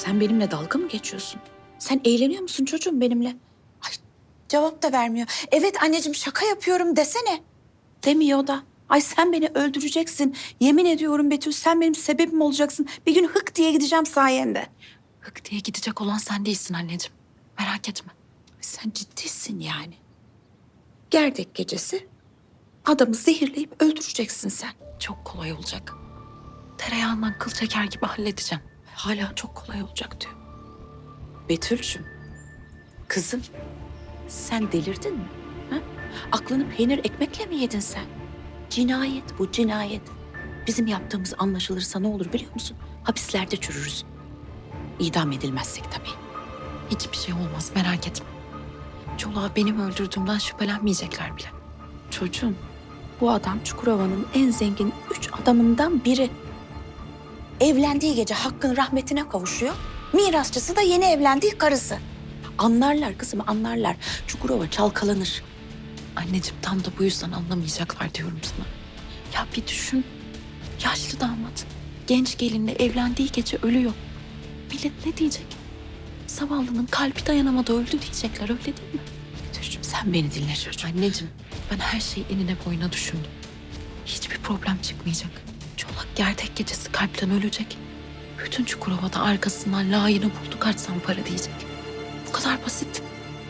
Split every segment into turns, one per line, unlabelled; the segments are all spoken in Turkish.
Sen benimle dalga mı geçiyorsun? Sen eğleniyor musun çocuğum benimle? Ay, cevap da vermiyor. Evet anneciğim şaka yapıyorum desene. Demiyor da. Ay sen beni öldüreceksin. Yemin ediyorum Betül sen benim sebebim olacaksın. Bir gün hık diye gideceğim sayende.
Hık diye gidecek olan sen değilsin anneciğim. Merak etme.
Sen ciddisin yani. Gerdek gecesi adamı zehirleyip öldüreceksin sen.
Çok kolay olacak. Tereyağından kıl çeker gibi halledeceğim.
Hala çok kolay olacak diyor. Betül'cüm, kızım sen delirdin mi? Ha? Aklını peynir ekmekle mi yedin sen? Cinayet bu, cinayet. Bizim yaptığımız anlaşılırsa ne olur biliyor musun? Hapislerde çürürüz. İdam edilmezsek tabii.
Hiçbir şey olmaz merak etme. Çolak'ı benim öldürdüğümden şüphelenmeyecekler bile.
Çocuğum, bu adam Çukurova'nın en zengin 3 adamından biri. Evlendiği gece Hakk'ın rahmetine kavuşuyor. Mirasçısı da yeni evlendiği karısı. Anlarlar kızım, anlarlar. Çukurova çalkalanır.
Anneciğim tam da bu yüzden anlamayacaklar diyorum sana. Ya bir düşün. Yaşlı damat. Genç gelinle evlendiği gece ölüyor. Millet ne diyecek? Zavallının kalbi dayanamadı öldü diyecekler öyle değil mi?
Betül'cüğüm sen beni dinle çocuğum.
Anneciğim ben her şeyi enine boyuna düşündüm. Hiçbir problem çıkmayacak. Çolak gerdek gecesi kalpten ölecek. Bütün Çukurova'da arkasından layığını buldu kaçsam para diyecek. Bu kadar basit.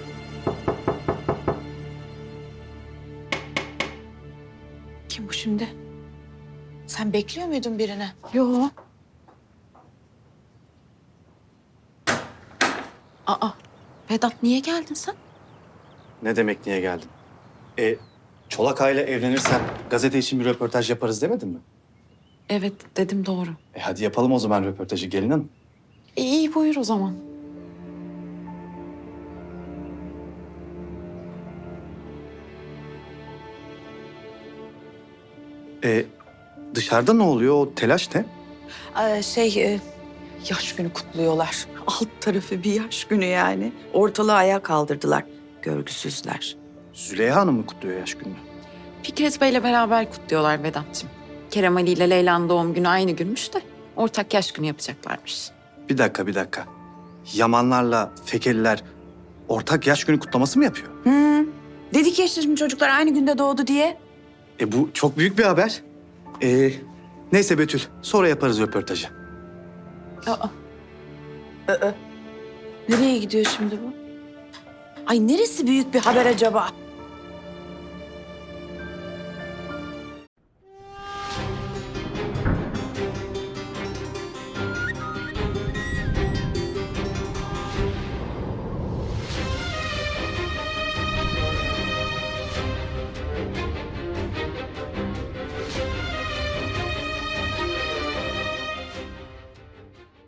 Kim bu şimdi? Sen bekliyor muydun birini?
Yo. Aa, Vedat niye geldin sen?
Ne demek niye geldin? Çolak Ağa'yla evlenirsen gazete için bir röportaj yaparız demedin mi?
Evet dedim doğru.
Hadi yapalım o zaman röportajı gelin hanım.
İyi buyur o zaman.
Dışarıda ne oluyor? O telaş ne?
Yaş günü kutluyorlar. Alt tarafı bir yaş günü yani. Ortalığı ayağa kaldırdılar. Görgüsüzler.
Züleyha Hanım mı kutluyor yaş gününü?
Fikret Bey'le beraber kutluyorlar Vedat'cığım. Kerem Ali ile Leyla'nın doğum günü aynı günmüş de ortak yaş günü yapacaklarmış.
Bir dakika. Yamanlarla Fekeliler ortak yaş günü kutlaması mı yapıyor?
Dedik ya işte şimdi çocuklar aynı günde doğdu diye.
Bu çok büyük bir haber. Neyse Betül, sonra yaparız röportajı.
Aa,
Nereye gidiyor şimdi bu? Ay neresi büyük bir haber acaba?